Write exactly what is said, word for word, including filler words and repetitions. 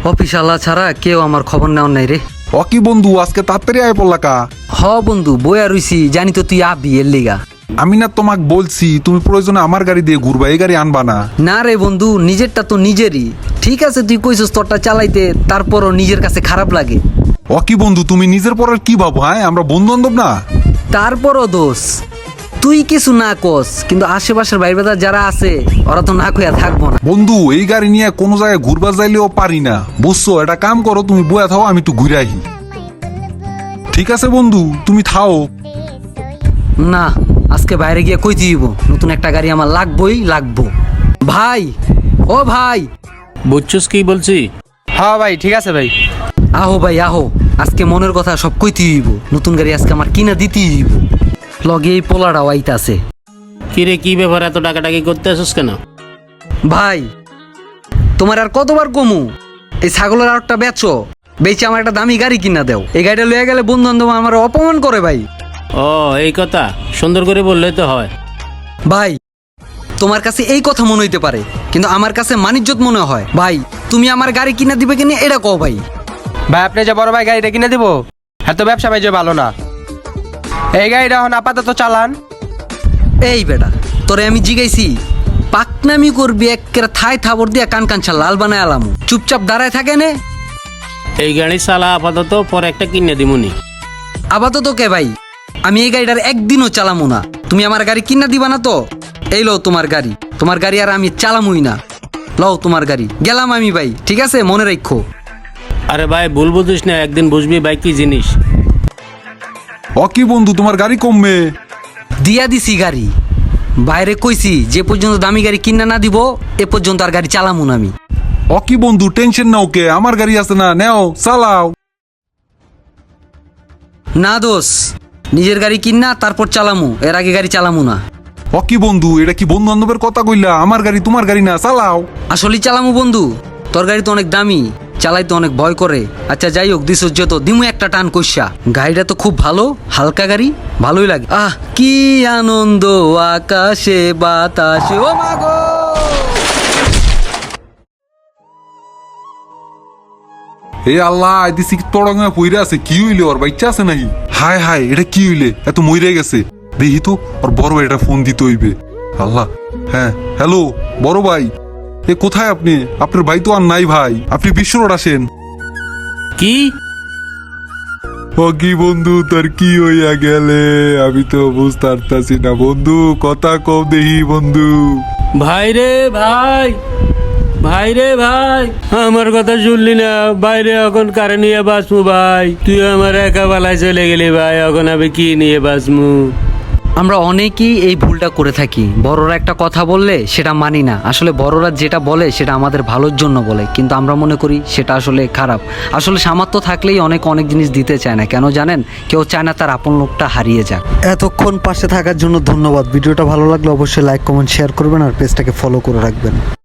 অফিসালা ছাড়া কেউ আমার খবর নেওয়ার নাই রে। ও কি বন্ধু, আজকে তাড়াতাড়ি আয় পড়লা কা? হ বন্ধু, বইয়া রইছি, জানি তো তুই আবি এর লিগা। আমি না তোমাক বলছি তুমি প্রয়োজনে আমার গাড়ি দিয়ে ঘুরবা, এই গাড়ি আনবা না। না রে বন্ধু, নিজেরটা তো নিজেরই। ঠিক আছে তুই কইছস তোরটা চালাইতে, তারপরও নিজের কাছে খারাপ লাগে। ও কি বন্ধু, তুমি নিজের পরের কি ভাবো? হ্যাঁ, আমরা বন্ধু বান্ধব না? তারপরও দোষ, তুই কিছু না কস, কিন্তু আশেপাশের ভাই বেদা যারা আছে ওরা তো না কইয়া থাকবো না। বন্ধু, এই গাড়ি নিয়ে কোনো জায়গায় ঘুরবা যাইলেও পারি না, বুঝছো? এটা কাম করো, তুমি বয়া থাও, আমি একটু ঘুরে আহি। ঠিক আছে বন্ধু, তুমি থাও। না, আজকে বাইরে গিয়ে কই দিব, নতুন একটা গাড়ি আমার লাগবই লাগবো। ভাই, ও ভাই, বুঝছস কি বলছি? হ্যাঁ ভাই, ঠিক আছে ভাই। আহো ভাই আহো, আজকে মনের কথা সব কইতে হইব। নতুন গাড়ি আজকে আমার কিনা দিতে হইব। লগে এই পোলাটাও আইতাছে। কিরে, কি ব্যাপার, এত টাকাটাকি করতে আসিস কেন? ভাই, তোমার আর কতবার কমু, এই ছাগলের আর একটা বেচো, বেচে আমার একটা দামি গাড়ি কিনা দেও। এই গাড়িটা লয়ে গেলে বন্ধু বান্ধব আমার অপমান করে ভাই। ও এই কথা, সুন্দর করে বললেই তো হয়। ভাই, তোমার কাছে এই কথা মনে হইতে পারে, কিন্তু আমার কাছে মানিজ্যত মনে হয়। ভাই, তুমি আমার গাড়ি কিনা দিবে কিনা এটা কও ভাই। ভাই, আপনি যে বড় ভাই গাড়িটা কিনে দিব, এত ব্যবসা বাণিজ্য ভালো না। এই গাড়িটা এখন আপাতত চালান। এই বেটা, তোরে আমি জিগাইছি, পাকনামি করবি একেবারে থাই থাবর দিয়া কান কান লাল বানায় আলাম, চুপচাপ দাঁড়ায় থাকে নে। এই গাড়ি চালা আপাতত, পরে একটা কিনে দিমুনি। আপাতত কে ভাই, আমি এই গাড়িটার একদিনও চালামু না। তুমি আমার গাড়ি কিনা দিবা না তো? এই লও তোমার গাড়ি, তোমার গাড়ি আর আমি চালামুই না। লও তোমার গাড়ি, গেলাম আমি ভাই, ঠিক আছে? মনে রাখো। আরে ভাই, ভুল বুঝিস না, একদিন বুঝবি ভাই কি জিনিস। ও কি বন্ধু, তোমার গাড়ি কমবে? দিয়া দিছি গাড়ি, বাইরে কইছি যে পর্যন্ত দামি গাড়ি কিনা না দিব এ পর্যন্ত আর গাড়ি চালামু না আমি। ও কি বন্ধু, টেনশন নাও কে, আমার গাড়ি আছে না, নেও চালাও। না দোষ, নিজের গাড়ি কিনা তারপর চালামু, এর আগে গাড়ি চালামু না। ও কি বন্ধু, এটা কি বন্ধু বান্ধবের কথা কইলা? আমার গাড়ি তোমার গাড়ি না, চালাও। আসলেই চালামু বন্ধু, তোর গাড়ি তো অনেক দামি, চালাইতে অনেক ভয় করে। আচ্ছা যাই হোক, দিস যত দিমু একটা টান কইসা। গাড়িটা তো খুব ভালো, হালকা গাড়ি, ভালোই লাগে। আহ কি আনন্দ আকাশে বাতাসে, ও মা গো। এই আল্লাহ, দিছি তড়ঙ্গা পইরা আছে, কি হইলে? ওর বাচ্চা আছে নাকি? হায় হায়, এটা কি হইলে? এত মইরে গেছে। দেখি তো, ওর বড় ভাই এটা ফোন দিতে হইবে। আল্লাহ, হ্যাঁ হ্যালো বড় ভাই, এ কোথায় আপনি? আপনার ভাই তো আর নাই ভাই, আপনি বিশ্ব রোড আসেন। কি ও কি বন্ধু, তোর কি হইয়া গেলে? আমি তো বুঝতে পারতাছি না বন্ধু, কথা কম দেখি বন্ধু। ভাই রে ভাই, ভাই রে ভাই, আমার কথা শুনলি না? বাইরে এখন কারে নিয়ে বাঁচমু ভাই? তুই আমার একা বেলায় চলে গেলি ভাই, এখন আমি কি নিয়ে বাঁচমু? আমরা অনেকেই এই ভুলটা করে থাকি, বড়রা একটা কথা বললে সেটা মানি না। আসলে বড়রা যেটা বলে সেটা আমাদের ভালোর জন্য বলে, কিন্তু আমরা মনে করি সেটা আসলে খারাপ। আসলে সামর্থ্য থাকলেই অনেক অনেক জিনিস দিতে চায় না, কেন জানেন? কেউ চায় না তার আপন লোকটা হারিয়ে যাক। এতক্ষণ পাশে থাকার জন্য ধন্যবাদ। ভিডিওটা ভালো লাগলে অবশ্যই লাইক কমেন্ট শেয়ার করবেন আর পেজটাকে ফলো করে রাখবেন।